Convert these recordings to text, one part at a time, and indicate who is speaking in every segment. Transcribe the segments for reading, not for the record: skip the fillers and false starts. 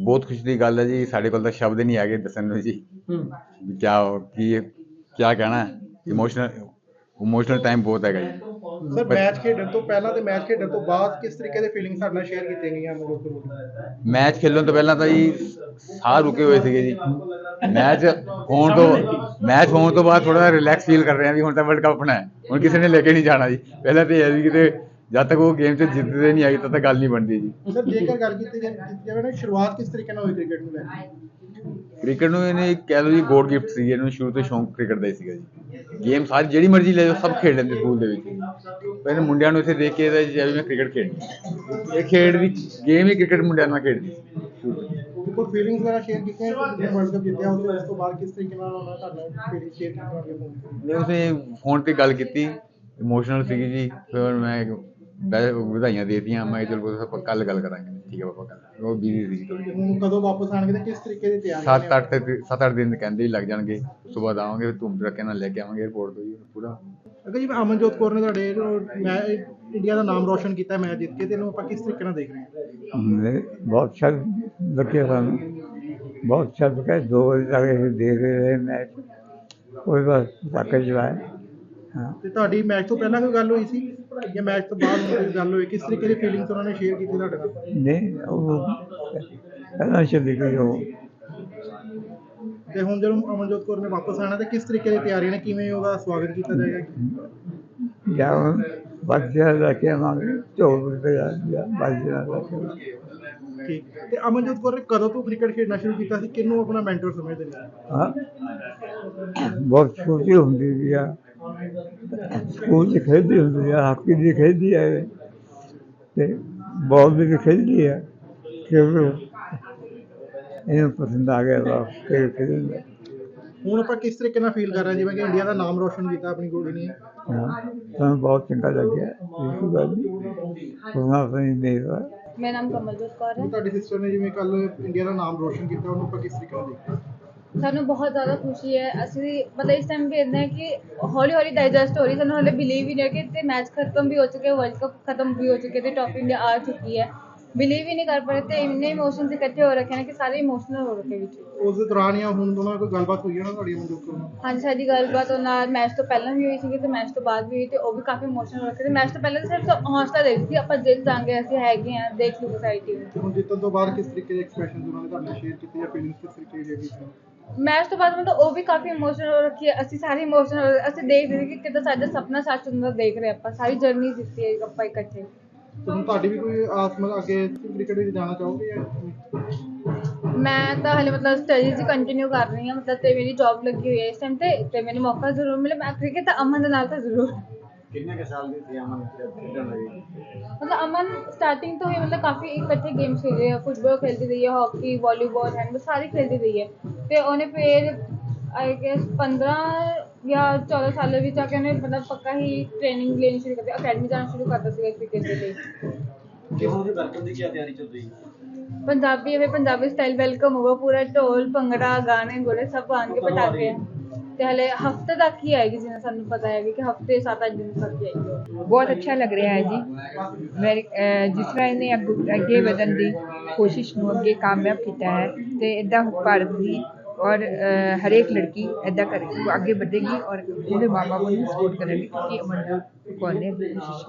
Speaker 1: ਬਹੁਤ ਖੁਸ਼ੀ ਦੀ ਗੱਲ ਹੈ ਜੀ। ਸਾਡੇ ਕੋਲ ਤਾਂ ਸ਼ਬਦ ਨਹੀਂ ਹੈਗੇ ਦੱਸਣ ਨੂੰ ਜੀ ਵੀ ਕਿਆ ਕਹਿਣਾ। ਇਮੋਸ਼ਨਲ ਟਾਈਮ ਬਹੁਤ ਹੈਗਾ ਜੀ।
Speaker 2: ਸਰ ਮੈਚ ਖੇਡਣ ਤੋਂ ਪਹਿਲਾਂ ਤੇ ਮੈਚ ਖੇਡਣ ਤੋਂ ਬਾਅਦ ਕਿਸ ਤਰੀਕੇ ਦੇ ਫੀਲਿੰਗ ਸਾਡੇ ਨਾਲ ਸ਼ੇਅਰ ਕੀਤੀਆਂ ਗਈਆਂ ਅਮਨਜੋਤ ਕੌਰ?
Speaker 1: ਮੈਚ ਖੇਲਣ ਤੋਂ ਪਹਿਲਾਂ ਤਾਂ ਜੀ ਸਾਹ ਰੁਕੇ ਹੋਏ ਸੀਗੇ ਜੀ। ਮੈਚ ਹੋਣ ਤੋਂ ਬਾਅਦ ਥੋੜਾ ਰਿਲੈਕਸ ਫੀਲ ਕਰ ਰਹੇ ਹਾਂ ਵੀ ਹੁਣ ਤਾਂ ਵਰਲਡ ਕੱਪ ਹੋਣਾ ਹੈ, ਹੁਣ ਕਿਸੇ ਨੇ ਲੈ ਕੇ ਨਹੀਂ ਜਾਣਾ ਜੀ। ਪਹਿਲਾਂ ਤਾਂ ਇਹ ਹੈ ਵੀ ਕਿਤੇ ਜਦ ਤੱਕ ਉਹ ਗੇਮ 'ਚ ਜਿੱਤਦੇ ਨਹੀਂ ਆਈ ਤਦ ਤੱਕ ਗੱਲ ਨਹੀਂ ਬਣਦੀ ਜੀ।
Speaker 2: ਸਰ ਜੇਕਰ ਗੱਲ ਕੀਤੀ ਜਾਵੇ ਨਾ, ਸ਼ੁਰੂਆਤ ਕਿਸ ਤਰੀਕੇ ਨਾਲ ਹੋਈ ਕ੍ਰਿਕਟ ਨੂੰ ਲੈ ਕੇ?
Speaker 1: ਕ੍ਰਿਕਟ ਨੂੰ ਇਹਨੇ ਕਹਿ ਲਓ ਜੀ ਗੋਡ ਗਿਫਟ ਸੀ। ਇਹਨੂੰ ਸ਼ੁਰੂ ਤੋਂ ਸ਼ੌਂਕ ਕ੍ਰਿਕਟ ਦਾ ਹੀ ਸੀਗਾ ਜੀ। ਗੇਮ ਸਾਰੀ ਜਿਹੜੀ ਮਰਜ਼ੀ ਲੈ ਜਾਓ ਸਭ ਖੇਡ ਲੈਂਦੇ ਸਕੂਲ ਦੇ ਵਿੱਚ। ਪਹਿਲੇ ਮੁੰਡਿਆਂ ਨੂੰ ਇੱਥੇ ਦੇਖ ਕੇ ਤਾਂ ਮੈਂ ਕ੍ਰਿਕਟ ਖੇਡਣੀ, ਇਹ ਖੇਡ ਦੀ ਗੇਮ ਹੀ ਕ੍ਰਿਕਟ ਮੁੰਡਿਆਂ ਨਾਲ ਖੇਡਦੀ ਸੀ।
Speaker 2: ਕੋਈ ਫੀਲਿੰਗਸ ਵਗੈਰਾ ਸ਼ੇਅਰ ਕੀਤੀਆਂ ਵਰਲਡ ਕੱਪ ਜਿੱਤਿਆ ਉਸ ਤੋਂ ਬਾਅਦ ਕਿਸ ਤਰੀਕੇ ਨਾਲ ਉਹਨਾਂ ਤੁਹਾਡਾ ਫੀਲਿੰਗ ਸ਼ੇਅਰ ਕੀਤੀ?
Speaker 1: ਮੈਂ ਉਸੇ ਫੋਨ ਤੇ ਗੱਲ ਕੀਤੀ, ਇਮੋਸ਼ਨਲ ਸੀਗੀ ਜੀ। ਫਿਰ ਮੈਂ ਵਧਾਈਆਂ ਦੇ ਦਿੱਤੀਆਂ। ਮੈਂ ਚਲੋ ਆਪਾਂ ਕੱਲ ਗੱਲ ਕਰਾਂਗੇ। ਠੀਕ ਹੈ ਪਾਪਾ, ਕੱਲ ਉਹ ਬਿਜ਼ੀ ਸੀ ਥੋੜੀ।
Speaker 2: ਹੁਣ ਕਦੋਂ ਵਾਪਸ ਆਣਗੇ ਤੇ ਕਿਸ ਤਰੀਕੇ ਦੀ ਤਿਆਰੀ?
Speaker 1: 7-8 ਦਿਨ ਕਹਿੰਦੇ ਹੀ ਲੱਗ ਜਾਣਗੇ। ਉਸ ਤੋਂ ਬਾਅਦ ਆਵਾਂਗੇ, ਧੂਮ ਧੜੱਕੇ ਨਾਲ ਲੈ ਕੇ ਆਵਾਂਗੇ 에ਅਰਪੋਰਟ ਤੋਂ ਜੀ ਪੂਰਾ।
Speaker 2: ਅਗਰ ਜੀ ਅਮਨਜੋਤ ਕੌਰ ਨੇ ਤੁਹਾਡੇ ਇੰਡੀਆ ਦਾ ਨਾਮ ਰੋਸ਼ਨ ਕੀਤਾ ਮੈਚ ਜਿੱਤ ਕੇ, ਤੇ ਇਹਨੂੰ ਆਪਾਂ ਕਿਸ ਤਰੀਕੇ ਨਾਲ ਦੇਖ ਰਹੇ ਹਾਂ?
Speaker 3: बहुत अच्छा लगे सानू, बहुत अच्छा लगा। 2 बजे तक ਅਸੀਂ ਦੇਖ ਰਹੇ ਮੈਚ, ਕੋਈ ਬਸ ਪਟਾਕੇ ਚਲਾਏ। ਹਾਂ,
Speaker 2: ਤੇ ਤੁਹਾਡੀ ਮੈਚ ਤੋਂ ਪਹਿਲਾਂ ਕੋਈ ਗੱਲ ਹੋਈ ਸੀ ਜਾਂ ਮੈਚ ਤੋਂ ਬਾਅਦ ਕੋਈ ਗੱਲ ਹੋਈ? ਕਿਸ ਤਰੀਕੇ ਦੀ ਫੀਲਿੰਗਸ ਉਹਨਾਂ ਨੇ ਸ਼ੇਅਰ ਕੀਤੀ ਤੁਹਾਡੇ ਨਾਲ?
Speaker 3: ਨਹੀਂ ਉਹ ਪਹਿਲਾਂ ਚੱਲੀ ਗਈ ਉਹ।
Speaker 2: ਤੇ ਹੁਣ ਜਦੋਂ ਅਮਨਜੋਤ ਕੌਰ ਨੇ ਵਾਪਸ ਆਣਾ ਤੇ ਕਿਸ ਤਰੀਕੇ ਦੀ ਤਿਆਰੀਆਂ ਨੇ, ਕਿਵੇਂ ਉਹਦਾ ਸਵਾਗਤ ਕੀਤਾ ਜਾਏਗਾ?
Speaker 3: ਜਾਂ ਬੱਚਿਆਂ ਲੈ ਕੇ ਆਵਾਂਗੇ, ਢੋਲ ਵਜਾ ਬੱਚਿਆਂ ਲੈ ਕੇ।
Speaker 2: ਠੀਕ। ਤੇ ਅਮਨਜੋਤ ਕੌਰ ਨੇ ਕਦੋਂ ਤੋਂ ਕ੍ਰਿਕਟ ਖੇਡਣਾ ਸ਼ੁਰੂ ਕੀਤਾ ਸੀ? ਕਿਹਨੂੰ ਆਪਣਾ ਮੈਂਟਰ ਸਮਝਦੇ ਨੇ?
Speaker 3: ਹਾਂ, ਬਹੁਤ ਛੋਟੀ ਹੁੰਦੀ ਸੀ ਆ, ਸਕੂਲ 'ਚ ਖੇਡਦੀ ਹੁੰਦੀ ਆ, ਹਾਕੀ ਦੀ ਖੇਡਦੀ ਹੈ ਤੇ ਬਾਲ ਦੀ ਵੀ ਖੇਡਦੀ ਹੈ। ਕਿਉਂਕਿ ਇਹਨੂੰ ਪਸੰਦ ਆ ਗਿਆ ਵਾ ਖੇਡਣ ਦਾ।
Speaker 2: ਹੁਣ ਆਪਾਂ ਕਿਸ ਤਰੀਕੇ ਨਾਲ ਫੀਲ ਕਰ ਰਹੇ ਹਾਂ ਜਿਵੇਂ ਕਿ ਇੰਡੀਆ ਦਾ ਨਾਮ ਰੋਸ਼ਨ ਕੀਤਾ ਆਪਣੀ ਕੁੜੀ ਨੇ?
Speaker 3: ਹਾਂ, ਸਾਨੂੰ ਬਹੁਤ ਚੰਗਾ ਲੱਗਿਆ। ਇਸ ਗੱਲ ਦੀ ਆਪਣੀ ਮੇਰਾ
Speaker 4: ਮੇਰਾ ਨਾਮ ਕਮਲਜੋਤ ਕੌਰ ਹੈ।
Speaker 2: ਤੁਹਾਡੀ ਸਿਸਟਰ ਨੇ ਜਿਵੇਂ ਕੱਲ ਇੰਡੀਆ ਦਾ ਨਾਮ ਰੋਸ਼ਨ ਕੀਤਾ, ਉਹਨੂੰ ਆਪਾਂ ਕਿਸ ਤਰੀਕੇ ਨਾਲ ਦੇਖਦੇ?
Speaker 4: ਸਾਨੂੰ ਬਹੁਤ ਜ਼ਿਆਦਾ ਖੁਸ਼ੀ ਹੈ। ਅਸੀਂ ਮਤਲਬ ਇਸ ਟਾਈਮ ਵੇਖਦੇ ਹਾਂ ਕਿ ਹੌਲੀ ਹੌਲੀ ਡਾਈਜੈਸਟ ਹੋ ਰਹੀ। ਸਾਨੂੰ ਹਾਲੇ ਬਿਲੀਵ ਹੀ ਨਹੀਂ ਹੈ ਕਿ ਮੈਚ ਖਤਮ ਵੀ ਹੋ ਚੁੱਕੇ, ਵਰਲਡ ਕੱਪ ਖਤਮ ਵੀ ਹੋ ਚੁੱਕੇ ਤੇ ਟਰੋਫੀ ਇੰਡੀਆ ਆ ਚੁੱਕੀ ਹੈ। ਬਿਲੀਵ ਹੀ ਨਹੀਂ ਕਰ ਪਾ ਰਹੇ ਤੇ ਇੰਨੇ ਇਮੋਸ਼ਨਸ ਇਕੱਠੇ ਹੋ ਰੱਖੇ ਨੇ ਕਿ ਸਾਰੇ ਇਮੋਸ਼ਨਲ ਹੋ ਰੱਖੇ ਵਿੱਚ।
Speaker 2: ਉਸ ਦੇ ਦੌਰਾਨ ਜਾਂ ਹੁਣ ਦੋਨਾਂ ਨਾਲ ਕੋਈ ਗੱਲਬਾਤ ਹੋਈ ਹੈ ਨਾ ਤੁਹਾਡੀ ਅਮਨਜੋਤ ਕੌਰ ਨਾਲ?
Speaker 4: ਹਾਂਜੀ, ਸਾਡੀ ਗੱਲਬਾਤ ਉਹਨਾਂ ਨਾਲ ਮੈਚ ਤੋਂ ਪਹਿਲਾਂ ਵੀ ਹੋਈ ਸੀਗੀ ਤੇ ਮੈਚ ਤੋਂ ਬਾਅਦ ਵੀ ਹੋਈ ਤੇ ਉਹ ਵੀ ਕਾਫੀ ਇਮੋਸ਼ਨਲ ਹੋ ਰੱਖੇ ਤੇ ਮੈਚ ਤੋਂ ਪਹਿਲਾਂ ਤਾਂ ਸਿਰਫ ਹੌਸਲਾ ਦੇ ਰਹੀ ਸੀ ਆਪਾਂ ਜਿੱਤ ਜਾਵਾਂਗੇ, ਅਸੀਂ ਹੈਗੇ ਹਾਂ, ਦੇਖ ਲਓ ਸਾਰੀ ਟੀਮ।
Speaker 2: ਹੁਣ ਜਿੱਤਣ ਤੋਂ ਬਾਅਦ ਕਿਸ ਤਰੀਕੇ ਦੇ ਐਕਸਪ੍ਰੈਸ਼ਨ ਉਹਨਾਂ ਨੇ ਤੁਹਾਡੇ ਸ਼ੇਅਰ ਕੀਤੇ ਜਾਂ ਫੀਲਿੰਗਸ ਕਿਸ ਤਰੀਕੇ ਦੀ ਹੈਗੀ?
Speaker 4: ਮੈਚ ਤੋਂ ਬਾਅਦ ਮਤਲਬ ਉਹ ਵੀ ਕਾਫੀ ਇਮੋਸ਼ਨਲ ਹੋ ਰੱਖੀ ਹੈ, ਅਸੀਂ ਸਾਰੇ ਇਮੋਸ਼ਨਲ। ਅਸੀਂ ਦੇਖ ਰਹੇ ਕਿ ਕਿੱਦਾਂ ਸਾਡਾ ਸੁਪਨਾ ਸੱਚ ਹੁੰਦਾ ਦੇਖ ਰਹੇ ਆਪਾਂ, ਸਾਰੀ ਜਰਨੀ ਦਿੱਤੀ ਹੈ ਆਪਾਂ ਇਕੱਠੇ।
Speaker 2: ਤੇ ਹੁਣ ਤੁਹਾਡੀ ਵੀ ਕੋਈ ਆਸ ਮਤਲਬ ਅੱਗੇ ਕ੍ਰਿਕਟ ਵਿੱਚ ਜਾਣਾ ਚਾਹੋਗੇ ਜਾਂ?
Speaker 4: ਮੈਂ ਤਾਂ ਹਾਲੇ ਮਤਲਬ ਸਟੱਡੀਜ਼ ਹੀ ਕੰਟੀਨਿਊ ਕਰ ਰਹੀ ਹਾਂ ਮਤਲਬ, ਤੇ ਮੇਰੀ ਜੌਬ ਲੱਗੀ ਹੋਈ ਹੈ ਇਸ ਟਾਈਮ ਤੇ ਮੈਨੂੰ ਮੌਕਾ ਜ਼ਰੂਰ ਮਿਲੇ। ਮੈਂ ਕ੍ਰਿਕਟ ਤਾਂ ਅਮਨ ਦੇ ਨਾਲ ਤਾਂ ਜ਼ਰੂਰ।
Speaker 1: ਕਿੰਨੇ ਕੁ ਸਾਲ ਦੀ ਸੀ ਅਮਨ ਖੇਡਣ ਲੱਗੀ?
Speaker 4: ਮਤਲਬ ਅਮਨ ਸਟਾਰਟਿੰਗ ਤੋਂ ਹੀ ਮਤਲਬ ਕਾਫੀ ਇਕੱਠੇ ਗੇਮਸ ਖੇਡੇ ਹੈ, ਫੁੱਟਬਾਲ ਖੇਡਦੀ ਰਹੀ ਹੈ, ਹਾਕੀ, ਵਾਲੀਬਾਲ, ਹੈਂਡਬਾਲ ਸਾਰੀ ਖੇਡਦੀ ਰਹੀ ਹੈ। ਤੇ ਉਹਨੇ ਫਿਰ ਆਈ ਗੈਸ 15 ਜਾਂ 14 ਸਾਲਾਂ ਵਿੱਚ ਆ ਕੇ ਉਹਨੇ ਮਤਲਬ ਪੱਕਾ ਹੀ ਟ੍ਰੇਨਿੰਗ ਲੈਣੀ ਸ਼ੁਰੂ ਕਰ ਦਿੱਤੀ, ਅਕੈਡਮੀ ਜਾਣਾ ਸ਼ੁਰੂ ਕਰ ਦਿੱਤਾ ਸੀਗਾ ਕ੍ਰਿਕਟ ਦੇ ਲਈ।
Speaker 2: ਵੈਲਕਮ ਦੀ ਕੀ ਤਿਆਰੀ ਚੱਲ ਰਹੀ ਹੈ?
Speaker 4: ਪੰਜਾਬੀ ਹੈ, ਪੰਜਾਬੀ ਸਟਾਈਲ ਵੈਲਕਮ ਹੋਗਾ, ਪੂਰਾ ਢੋਲ ਭੰਗੜਾ ਗਾਣੇ ਗੋਲੇ ਸਭ ਆਉਣਗੇ, ਪਟਾਕੇ। ਤੇ ਹਲੇ ਹਫਤੇ ਤੱਕ ਹੀ ਆਏਗੀ, ਜਿਵੇਂ ਸਾਨੂੰ ਪਤਾ ਹੈ ਕਿ ਹਫਤੇ 7-8 ਦਿਨ ਤੱਕ ਹੀ ਆਏਗੀ।
Speaker 5: ਬਹੁਤ ਅੱਛਾ ਲੱਗ ਰਿਹਾ ਹੈ ਜੀ। ਜਿਸ ਤਰ੍ਹਾਂ ਇਹਨੇ ਅੱਗੇ ਵਧਣ ਦੀ ਕੋਸ਼ਿਸ਼ ਨੂੰ ਅੱਗੇ ਕਾਮਯਾਬ ਕੀਤਾ ਹੈ ਤੇ ਇੱਦਾਂ ਭਾਰਤ ਦੀ ਔਰ ਹਰੇਕ ਲੜਕੀ ਇੱਦਾਂ ਕਰੇਗੀ, ਅੱਗੇ ਵਧੇਗੀ ਔਰ ਉਹਦੇ ਮਾਂ ਬਾਪ ਨੂੰ ਸਪੋਰਟ ਕਰਨਗੇ ਕਿਉਂਕਿ ਅਮਨਜੋਤ ਕੌਰ ਨੇ ਕੋਸ਼ਿਸ਼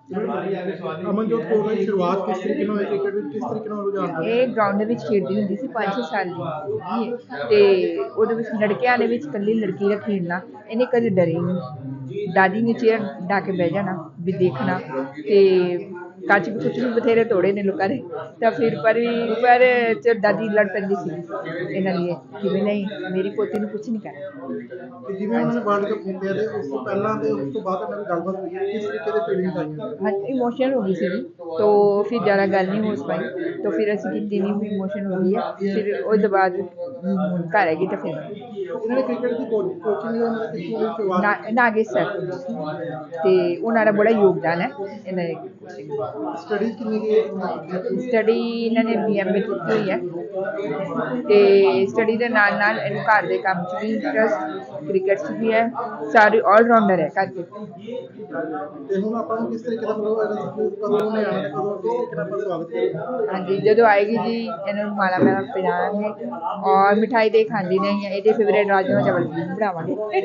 Speaker 5: ਕੀਤੀ।
Speaker 2: ਅਮਨਜੋਤ ਕੌਰ ਦੀ ਸ਼ੁਰੂਆਤ ਕਿਸ ਤਰੀਕੇ ਨਾਲ ਹੋਈ ਕ੍ਰਿਕਟ ਵਿੱਚ, ਕਿਸ ਤਰੀਕੇ ਨਾਲ ਰੁਝਾਨ?
Speaker 5: ਇਹ ਗਰਾਊਂਡ ਦੇ ਵਿੱਚ ਖੇਡਦੀ ਹੁੰਦੀ ਸੀ 5-6 ਸਾਲ ਦੀ ਤੇ ਉਹਦੇ ਵਿੱਚ ਲੜਕਿਆਂ ਦੇ ਵਿੱਚ ਇਕੱਲੀ ਲੜਕੀ ਦਾ ਖੇਡਣਾ, ਇਹਨੇ ਕਦੇ ਡਰੇ ਨਹੀਂ। ਦਾਦੀ ਨੇ ਚੇਅਰ ਡਾ ਕੇ ਬਹਿ ਜਾਣਾ ਵੀ ਦੇਖਣਾ ਤੇ ਕੱਚ ਵੀ ਕੁਛ ਵੀ ਬਥੇਰੇ ਤੋੜੇ ਨੇ ਲੋਕਾਂ ਨੇ ਤਾਂ ਫਿਰ ਪਰ ਚ ਦਾਦੀ ਲੜ ਪੈਂਦੀ ਸੀ ਇਹਨਾਂ ਲਈ ਕਿ ਵੀ ਨਹੀਂ ਮੇਰੀ ਪੋਤੀ ਨੂੰ ਕੁਛ ਨਹੀਂ ਕਰਨਾ।
Speaker 2: ਜਿਵੇਂ ਉਹਨਾਂ ਨੇ ਵਰਲਡ ਕੱਪ ਜਿੱਤਿਆ ਤੇ ਉਸ ਤੋਂ ਪਹਿਲਾਂ ਤੇ ਉਸ ਤੋਂ ਬਾਅਦ ਇਹਨਾਂ ਦੀ ਗੱਲਬਾਤ ਹੋਈ ਹੈ, ਕਿਸ ਤਰੀਕੇ ਦੇ ਫੀਲਿੰਗਸ ਆਈਆਂ?
Speaker 5: हाँ इमोशनल हो गई थी तो फिर ज़्यादा गल नहीं हो पाई तो फिर असी की नहीं भी इमोशन हो गई है। फिर उसके बाद घर हैगी तो फिर
Speaker 2: ਇਹਨਾਂ ਨੇ ਕ੍ਰਿਕਟ ਦੀ ਕੋਚਿੰਗ
Speaker 5: नागेश सर तो उन्होंने बड़ा योगदान है इन्होंने
Speaker 2: ਸਟੱਡੀ ਕਿੰਨੀ ਕੀ
Speaker 5: ਸਟੱਡੀ ਇਹਨਾਂ ਨੇ BMA ਕੀਤੀ ਹੋਈ ਹੈ ਤੇ ਸਟੱਡੀ ਦੇ ਨਾਲ ਨਾਲ ਇਹਨੂੰ ਘਰ ਦੇ ਕੰਮ 'ਚ ਵੀ ਇੰਟਰਸਟ, ਕ੍ਰਿਕਟ 'ਚ ਵੀ ਹੈ, ਸਾਰੀ ਆਲਰਾਊਂਡਰ ਹੈ ਘਰ 'ਚ।
Speaker 2: ਤੇ ਹੁਣ ਆਪਾਂ ਨੂੰ ਕਿਸ ਤਰੀਕੇ ਦਾ ਕਦੋਂ ਉਹਨੇ ਆਉਣਾ ਤੇ ਕਦੋਂ ਕਿਸ ਤਰੀਕੇ ਨਾਲ ਆਪਾਂ ਸਵਾਗਤ ਕਰੀਏ?
Speaker 5: ਹਾਂਜੀ, ਜਦੋਂ ਆਏਗੀ ਜੀ ਇਹਨੂੰ ਮਾਲਾ ਪਹਿਨਾਵਾਂਗੇ ਔਰ ਮਿਠਾਈ ਦੇ ਖਾਂਦੀ ਨਹੀਂ ਹੈ, ਇਹਦੇ ਫੇਵਰੇਟ ਰਾਜਮਾ ਚਾਵਲ ਬਣਾਵਾਂਗੇ।